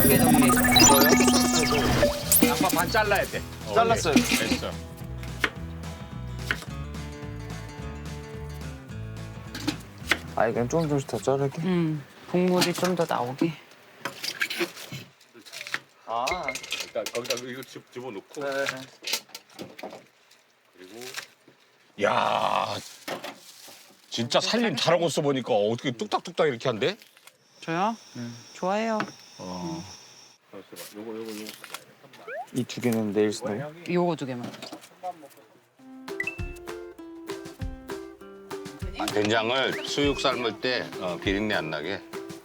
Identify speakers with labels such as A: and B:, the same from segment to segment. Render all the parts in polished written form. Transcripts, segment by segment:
A: 두개 정리.
B: 양파 반 잘라야 돼.
C: 잘랐어요.
B: 됐어.
C: 아, 그냥 조금씩 더 자를게.
A: 국물이 좀 더 나오게.
C: 아,
B: 일단 거기다 이거 집어넣고.
C: 네.
B: 그리고 야 진짜 살림 잘하고 있어 보니까 어떻게 뚝딱뚝딱 이렇게 한대?
A: 저요? 좋아해요.
B: 요거.
C: 이 두 개는 내일 쓰나요?
A: 요거 두 개만.
B: 된장을 수육 삶을 때 비린내 안 나게.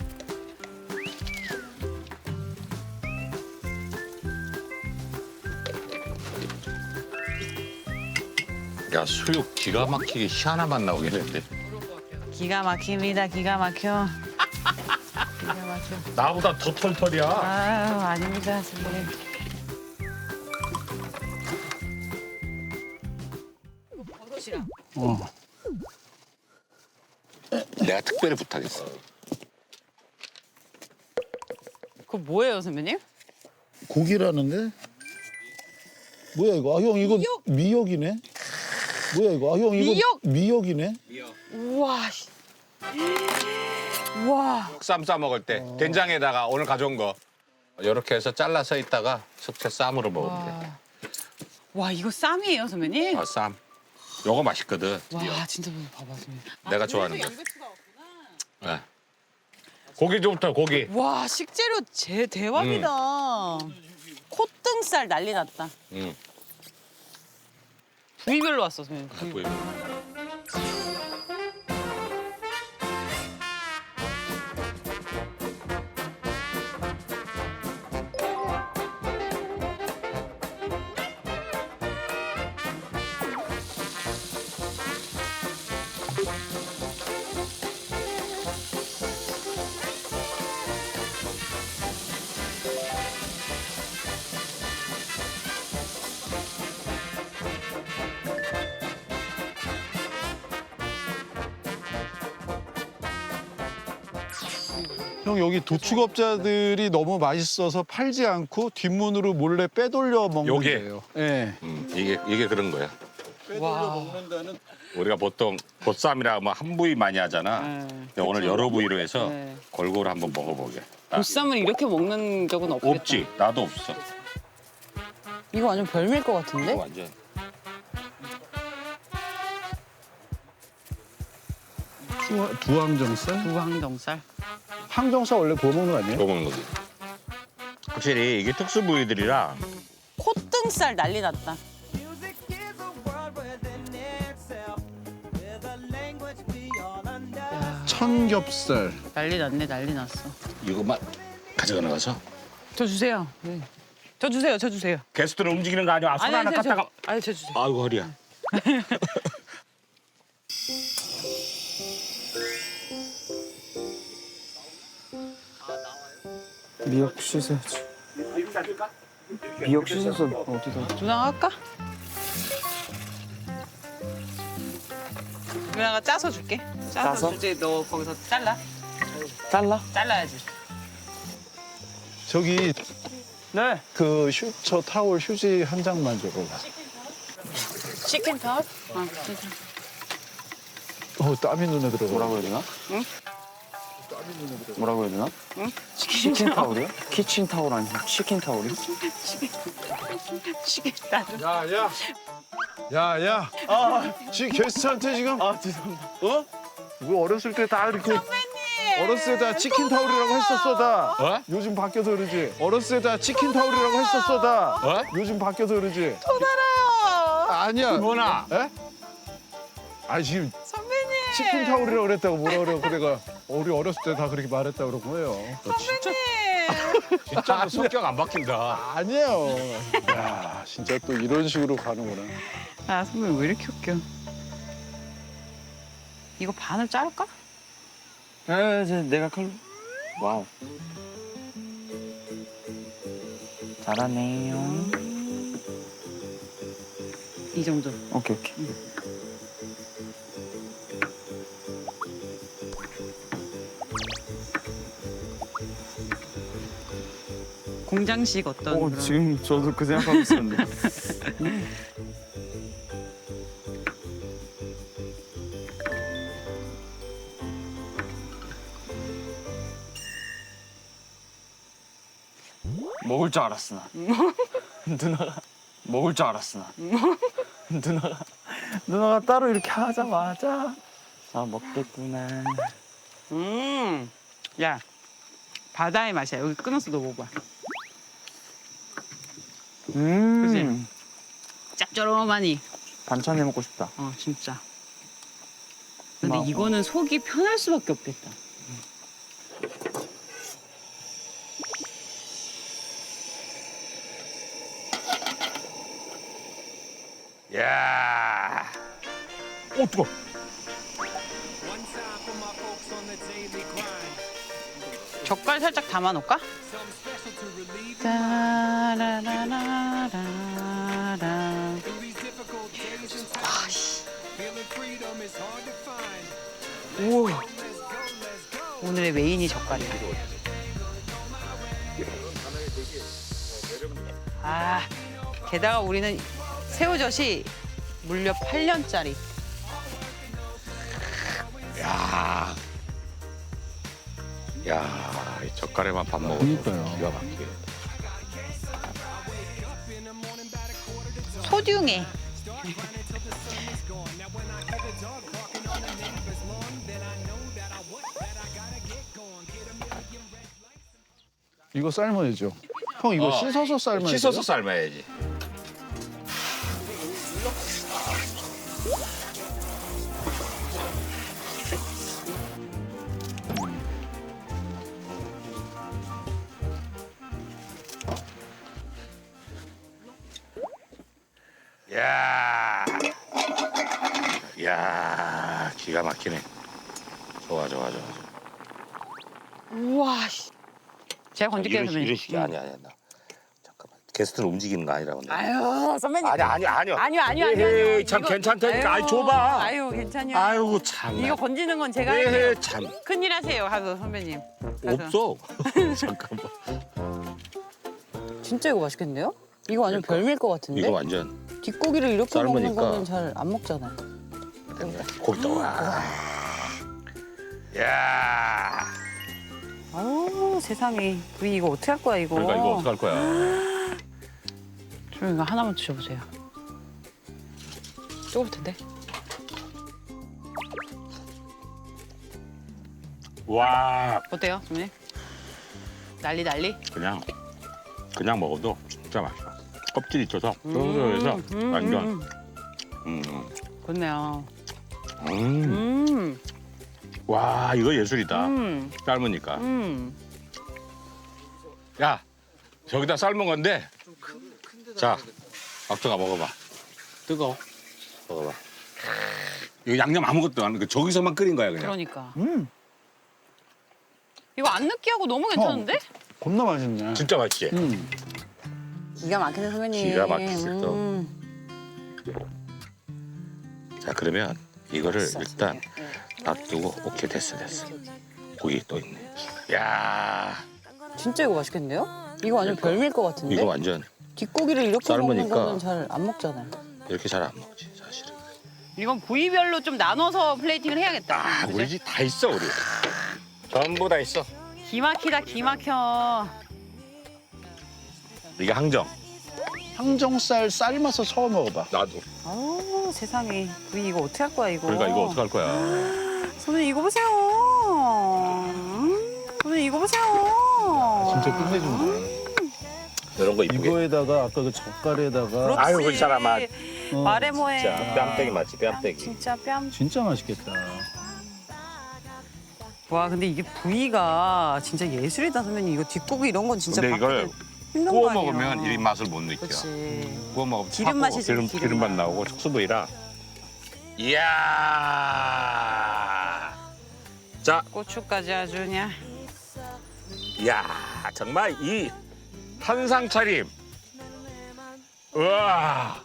B: 야 수육 기가 막히게 희한한 맛 나오겠는데.
A: 기가 막힙니다. 기가 막혀. 기가 막혀.
B: 나보다 더 털털이야.
A: 아유, 아닙니다, 선배님. 버섯이랑.
B: 내가 특별히 부탁했어.
A: 그거 뭐예요, 선배님?
D: 고기라는데? 뭐야 이거? 아, 형 이거
A: 미역?
D: 미역이네? 뭐야 이거? 아, 형 이거
A: 미역?
D: 미역이네?
A: 우와. 씨. 우와.
B: 쌈 싸 먹을 때 된장에다가 오늘 가져온 거 이렇게 해서 잘라서 있다가 숙제 쌈으로 먹으면 돼.
A: 와, 이거 쌈이에요, 선배님?
B: 쌈. 요거 맛있거든.
A: 와, 진짜 봐봐, 선배님.
B: 내가 좋아하는 거. 네. 고기 좀부터 고기.
A: 와, 식재료 대박이다. 콧등살 난리 났다.
B: 응.
A: 부위별로 왔어, 선배님.
B: 보이고.
D: 형 여기 도축업자들이 너무 맛있어서 팔지 않고 뒷문으로 몰래 빼돌려 먹는
B: 요게?
D: 거예요. 네.
B: 이게 그런 거야.
D: 빼돌려 먹는다는.
B: 우리가 보통 보쌈이라 뭐 한 부위 많이 하잖아. 근데 오늘 여러 부위로 해서
A: 네.
B: 골고루 한번 먹어보게.
A: 보쌈을 이렇게 먹는 적은 없겠다.
B: 없지. 나도 없어.
A: 이거 완전 별미일 것 같은데?
B: 완전.
D: 두항정살?
A: 두항정살.
D: 항정살 원래 구워 먹는 거 아니에요?
B: 구워 먹는 거지. 확실히 이게 특수 부위들이라
A: 콧등살 난리 났다.
D: 청겹살.
A: 난리 났네, 난리 났어.
B: 이것만 가져가 나가서
A: 저 주세요. 네. 저 주세요, 저 주세요.
B: 게스트를 움직이는 거 아니야? 손 하나 갖다가.
A: 아니, 저 주세요.
B: 아이고 허리야.
C: 미역 씻어야지. 미역 씻어서 어디다?
A: 누나가 할까? 누나가 짜서 줄게.
C: 짜서?
A: 주지. 너 거기서 잘라.
C: 잘라?
A: 잘라야지.
D: 저기
C: 네.
D: 저 타월 휴지 한 장만 줘봐.
A: 치킨 타올? 치킨.
D: 땀이 눈에 들어가.
C: 뭐라고 해야 되나?
A: 응?
C: 뭐라고 해야 되나?
A: 응?
C: 치킨 타올이요? 키친 타올 아니고 치킨 타올이요?
A: 치킨 나도.
D: 야야. 지금 게스트한테 지금
C: 죄송합니다.
D: 어? 우리 어렸을 때 다 이렇게 어렸을 때 다 치킨 타올이라고 했었어 다.
B: 어?
D: 요즘 바뀌어서 그러지. 어렸을 때 다 치킨 타올이라고 했었어 다.
B: 어?
D: 요즘 바뀌어서 그러지.
A: 또 달아요.
D: 아니야.
B: 뭐나?
D: 에? 아 지금
A: 선배님.
D: 치킨 타올이라고 그랬다고 뭐라 그러고 내가 우리 어렸을 때 다 그렇게 말했다 그런 거예요.
B: 진짜 너 성격 안 바뀐다.
D: 아니에요. 야 진짜 또 이런 식으로 가는구나.
A: 아, 선배님 왜 이렇게 웃겨? 이거 반을 자를까?
C: 내가 칼로. 와우. 잘하네요.
A: 이 정도.
C: 오케이.
A: 공장식 어떤 그런.
C: 지금 저도 그 생각하고 있었는데. 먹을 줄 알았어 나. 누나가 먹을 줄 알았어 나. 누나가 따로 이렇게 하자마자 아 먹겠구나.
A: 야, 바다의 맛이야. 여기 끊어서 너 먹어봐. 그치? 짭조름하니.
C: 반찬 해 먹고 싶다.
A: 진짜. 근데
C: 고마워.
A: 이거는 속이 편할 수밖에 없겠다.
B: 야. 오 뜨거.
A: 젓갈 살짝 담아놓을까? 따라라라라라. 우와. 오늘의 메인이 젓갈이야. 게다가 우리는 새우젓이 물려 8년짜리.
B: 야. 야, 이 젓갈에만 밥 먹어도
D: 그러니까요.
B: 기가 막히게.
A: 소중해.
D: 이거 삶아야죠. 형 이거 씻어서 삶아야죠.
B: 씻어서 삶아야지. 야, 야, 기가 막히네. 좋아.
A: 우와. 제가 건질게요, 선배님.
B: 이런 식이 아니야. 나. 잠깐만. 게스트는 움직이는 거 아니라고. 내가.
A: 아유, 선배님.
B: 아니요.
A: 아니요.
B: 참
A: 이거-
B: 괜찮다니까. 아이 줘봐.
A: 아유, 괜찮요.
B: 아이고 참.
A: 이거 건지는 건 제가 할게요.
B: 참.
A: 큰일 하세요, 하도 선배님. 가서.
B: 없어. 잠깐만.
A: 진짜 이거 맛있겠는데요? 이거 완전 별미일 것 같은데?
B: 이거 완전
A: 뒷고기를 이렇게 먹는
B: 삶으니까.
A: 거는 잘 안 먹잖아요.
B: 고기 떠. 야.
A: 아우, 세상에. 부이 이거 어떻게 할 거야, 이거?
B: 그러니까 이거 어떡할 거야?
A: 좀 이거 하나만 드셔보세요. 뜨거울 텐데.
B: 와,
A: 어때요, 선배님? 난리?
B: 그냥 먹어도 진짜 맛있어. 껍질 있어서 쫄깃해서 완전.
A: 좋네요.
B: 음. 와, 이거 예술이다.
A: 음.
B: 삶으니까.
A: 음.
B: 야, 저기다 삶은 건데. 자, 박수가 먹어봐. 뜨거워. 먹어봐. 이거 양념 아무것도 안, 저기서만 끓인 거야 그냥.
A: 그러니까. 이거 안 느끼하고 너무 괜찮은데?
D: 겁나 맛있네.
B: 진짜 맛있지.
A: 기가 막히네, 선배님.
B: 기가 막히지, 또. 자, 그러면 이거를 일단 놔두고 오케이 됐어. 고기 또 있네. 야,
A: 진짜 이거 맛있겠는데요? 이거 완전 별미일 것 같은데?
B: 이거 완전
A: 뒷고기를 이렇게 먹는
B: 삶으니까.
A: 거는 잘 안 먹잖아요.
B: 이렇게 잘 안 먹지 사실은.
A: 이건 부위별로 좀 나눠서 플레이팅을 해야겠다. 그죠?
B: 우리 집 다 있어 우리. 전부 다 있어.
A: 기막히다, 기막혀.
B: 이게 항정.
D: 항정살 삶아서 처음 먹어봐.
B: 나도.
A: 아우, 세상에. 부위 이거 어떻게 할 거야, 이거?
B: 그러니까 이거 어떡할 거야.
A: 선배님, 이거 보세요. 선배님, 이거 보세요.
D: 진짜 끝내준다.
B: 이런 거 이쁘게.
D: 이거에다가 아까 그 젓갈에다가
A: 그렇지.
B: 아유, 그 사람아.
A: 말해 뭐해.
B: 진짜 뺨때기 맞지 뺨때기.
A: 진짜 뺨.
D: 진짜 맛있겠다.
A: 와, 근데 이게 부위가 진짜 예술이다, 선배님. 이거 뒷고기 이런 건 진짜
B: 근데 이걸
A: 바꾸기 힘든
B: 구워
A: 거 아니에요.
B: 먹으면 이 맛을 못 느껴.
A: 그렇지.
B: 구워 먹으면
A: 기름
B: 차고
A: 맛이지, 기름
B: 기름맛
A: 맛.
B: 나오고 촉수부위라. 이야. 자,
A: 고추까지 아주 그냥.
B: 이야 정말 이 한상 차림. 우와.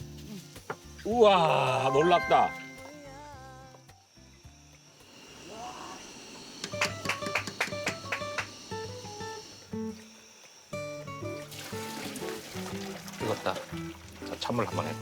B: 우와 놀랍다. 익었다. 자, 찬물 한번 해봐.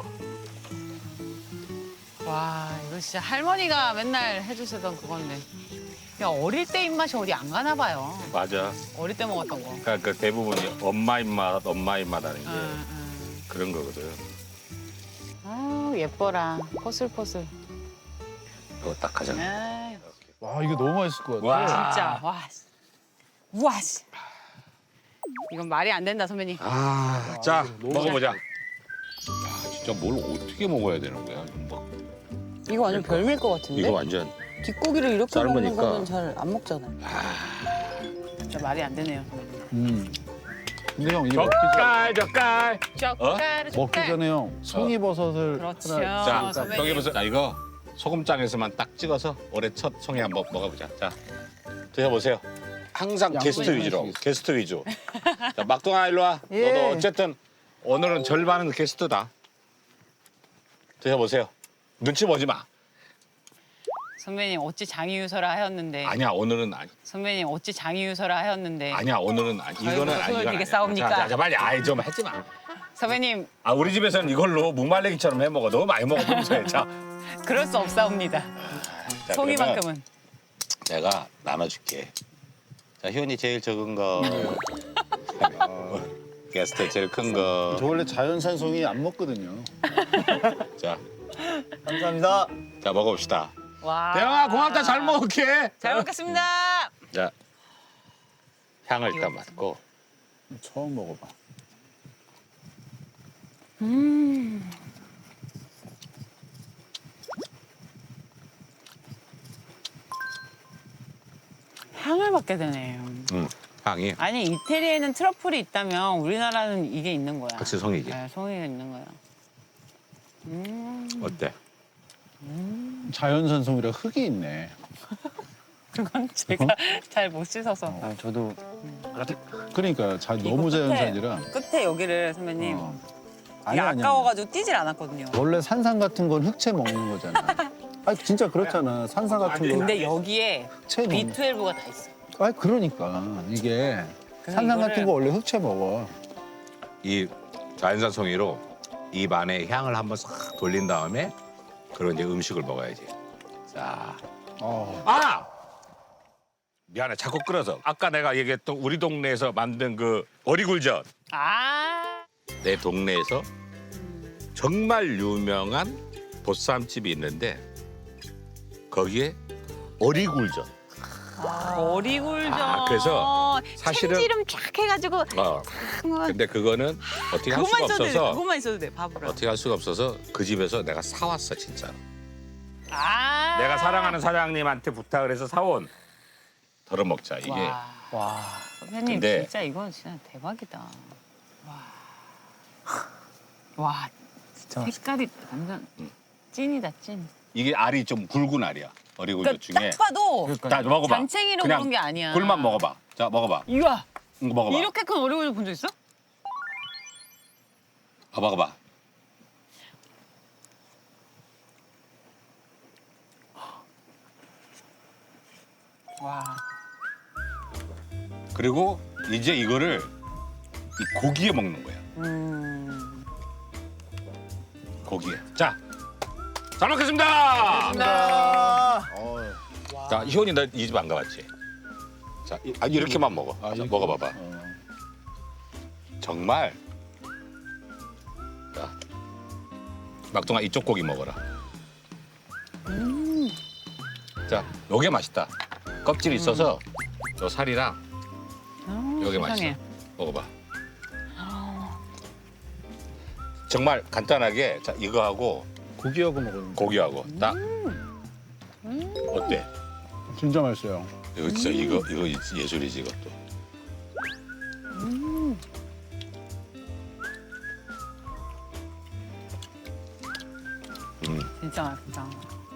A: 와 이거 진짜 할머니가 맨날 해주시던 그건데. 야 어릴 때 입맛이 어디 안 가나 봐요.
B: 맞아.
A: 어릴 때 먹었던 거.
B: 그러니까 그 대부분이 엄마 입맛 하는 게 그런 거거든.
A: 아 예뻐라. 포슬포슬.
B: 이거 딱 하자.
A: 아유,
D: 와 이거 너무 맛있을 것 같아.
B: 와.
A: 진짜 와. 우와 씨. 이건 말이 안 된다 선배님.
B: 아, 자 먹어보자. 야, 진짜 뭘 어떻게 먹어야 되는 거야?
A: 이거 완전 별미일 것 같은데?
B: 이거 완전
A: 뒷고기를 이렇게
B: 삶으니까.
A: 먹는 거는 잘 안 먹잖아요. 진짜 말이 안 되네요.
D: 근데 형 이거 먹기,
B: 젓갈.
D: 먹기 전에 형 송이버섯을
A: 그렇죠.
D: 하나
B: 자,
A: 선배님.
B: 여기 보세요. 자, 이거 소금장에서만 딱 찍어서 올해 첫 송이 한번 먹어보자. 자, 드셔보세요. 항상 게스트
D: 양보해
B: 위주로.
D: 주시겠어요?
B: 게스트 위주. 자, 막동아 일로 와.
A: 예.
B: 너도 어쨌든 오늘은 절반은 게스트다. 드셔보세요. 눈치 보지 마.
A: 선배님 어찌 장이유서라 하였는데.
B: 아니야, 오늘은 아니.
A: 선배님 어찌 장이유서라 하였는데.
B: 아니야, 오늘은 아니. 이거는
A: 아이고,
B: 아니.
A: 손을
B: 이건
A: 되게
B: 아니야.
A: 싸웁니까?
B: 자, 자, 빨리 아이 좀 하지 마.
A: 선배님
B: 아, 우리 집에서는 이걸로 무말랭이처럼 해 먹어. 너무 많이 먹으면 돼. 자,
A: 그럴 수 없사옵니다.
B: 자,
A: 송이만큼은.
B: 내가 나눠줄게. 자, 희원이 제일 적은 거. 게스트 제일 큰 거.
D: 저 원래 자연산 송이 안 먹거든요.
B: 자,
C: 감사합니다.
B: 자 먹어봅시다.
A: 와.
B: 대영아 고맙다. 잘 먹을게.
A: 잘 먹겠습니다.
B: 자, 향을 일단 맡고.
D: 처음 먹어봐.
A: 향을 맡게 되네요.
B: 향이
A: 아니 이태리에는 트러플이 있다면 우리나라는 이게 있는 거야.
B: 확실히 송이지.
A: 네, 송이가 있는 거야.
B: 어때?
D: 자연산 송이라 흙이 있네.
A: 그건 제가 잘 못 씻어서.
C: 아, 저도
D: 그러니까 너무
A: 이거 끝에,
D: 자연산이라.
A: 끝에 여기를 선배님
D: 어.
A: 이게
D: 아니야, 아니야.
A: 아까워가지고 뛰질 않았거든요.
D: 원래 산삼 같은 건 흑채 먹는 거잖아. 아니 진짜 그렇잖아. 산삼 같은 거
A: 근데 여기에
D: 흑채 먹는.
A: B12가 다 있어.
D: 아니 그러니까 이게
A: 그래서
D: 산삼
A: 이거를-
D: 같은 거 원래 흑채 먹어.
B: 이 자연산 송이로 입 안에 향을 한번 싹 돌린 다음에 그런 이제 음식을 먹어야지. 자, 아! 미안해, 자꾸 끌어서. 아까 내가 얘기했던 우리 동네에서 만든 그 어리굴젓.
A: 아.
B: 내 동네에서 정말 유명한 보쌈집이 있는데 거기에 어리굴젓.
A: 어리굴젓.
B: 아, 그래서 사실은-
A: 참기름 쫙 해가지고
B: 근데 그거는 어떻게 할 수가
A: 그것만 써도 돼.
B: 없어서
A: 그것만 있어도 돼. 밥으로.
B: 어떻게 할 수가 없어서 그 집에서 내가 사왔어 진짜.
A: 아.
B: 내가 사랑하는 사장님한테 부탁을 해서 사온 덜어 먹자 이게.
A: 와. 선배님
B: 근데-
A: 진짜 이건 진짜 대박이다. 와.
C: 진짜
A: 색깔이 완전 찐이다 찐.
B: 이게 알이 좀 굵은 알이야. 어리굴젓
A: 그러니까
B: 중에.
A: 딱 봐도
B: 자 먹어봐.
A: 잔챙이로
B: 그냥
A: 그런 게 아니야.
B: 굴만 먹어봐. 자 먹어봐.
A: 이거
B: 이거 먹어봐.
A: 이렇게 큰 어리굴젓 본 적 있어?
B: 먹어봐.
A: 와.
B: 그리고 이제 이거를 이 고기에 먹는 거야. 고기에. 자, 잘 먹겠습니다. 자, 희원이 나 이 집 안 가봤지? 자, 이렇게만 먹어. 자,
D: 이렇게?
B: 먹어봐봐. 정말. 자, 막동아 이쪽 고기 먹어라. 자, 요게 맛있다. 껍질이 있어서 요 살이랑 요게 맛있어.
A: 세상에.
B: 먹어봐. 정말 간단하게 자 이거하고
D: 고기하고 먹으면
B: 고기하고 딱 어때?
D: 진짜 맛있어요.
B: 이거 진짜 이거 예술이지 이것도.
A: 진짜 맛있다.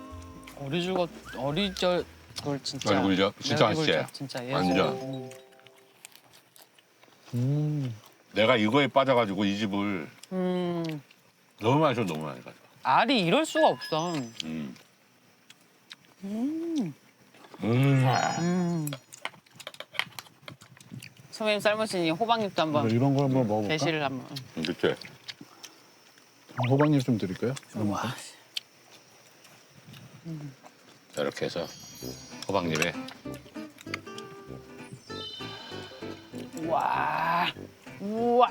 A: 어리절 굴 진짜.
B: 어리굴젓? 진짜
A: 어리굴젓
B: 맛있지?
A: 진짜 예술.
B: 완전. 내가 이거에 빠져가지고 이 집을 너무 많이 줘 너무 많이 가져.
A: 알이 이럴 수가 없어. 선배님 삶으신 이 호박잎도 한번
D: 이런 걸 한번 먹어볼까?
A: 대시를 한번.
B: 그치?
D: 호박잎 좀 드릴까요?
A: 와.
B: 자, 이렇게 해서 호박잎에
A: 와. 우와.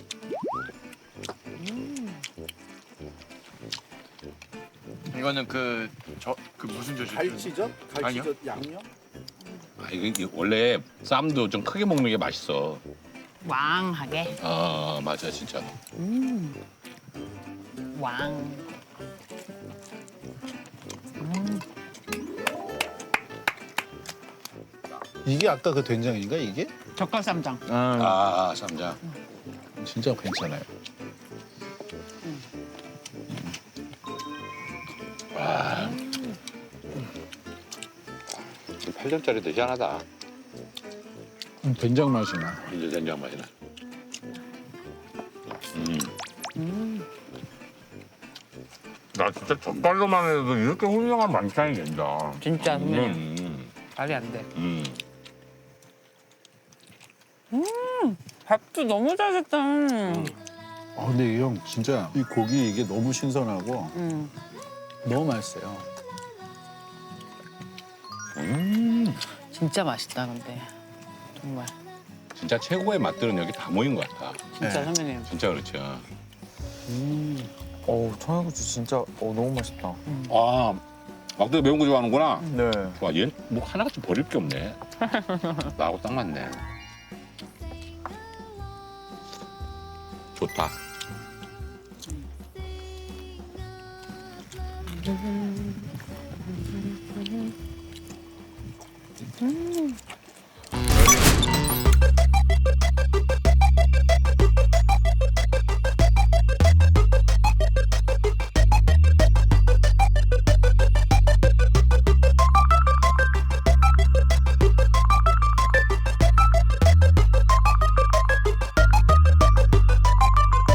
C: 이거는 그 무슨 젓이죠?
D: 갈치젓?
C: 아니요.
D: 양념?
B: 아, 이거 원래 쌈도 좀 크게 먹는 게 맛있어.
A: 왕하게.
B: 맞아 진짜.
A: 왕.
D: 이게 아까 그 된장인가 이게?
A: 젓갈쌈장.
B: 쌈장.
D: 진짜 괜찮아요.
B: 와. 8점짜리도 희한하다.
D: 된장 맛이 나.
B: 이제 된장 맛이 나.
E: 나 진짜 젓갈로만 해도 이렇게 훌륭한 만찬이 된다.
A: 진짜 선배님.
B: 음.
A: 말이 안 돼.
B: 음.
A: 밥도 너무 잘 됐다.
D: 근데 이 형 진짜 이 고기 이게 너무 신선하고 너무 맛있어요.
A: 진짜 맛있다 근데. 정말.
B: 진짜 최고의 맛들은 여기 다 모인 것 같아.
A: 진짜
D: 네.
A: 선배님.
B: 진짜 그렇죠.
C: 어우 청양고추 진짜 너무 맛있다.
B: 아, 막대 매운 거 좋아하는구나.
C: 네.
B: 와, 얘는 뭐 하나같이 버릴 게 없네. 나하고 딱 맞네. 좋다.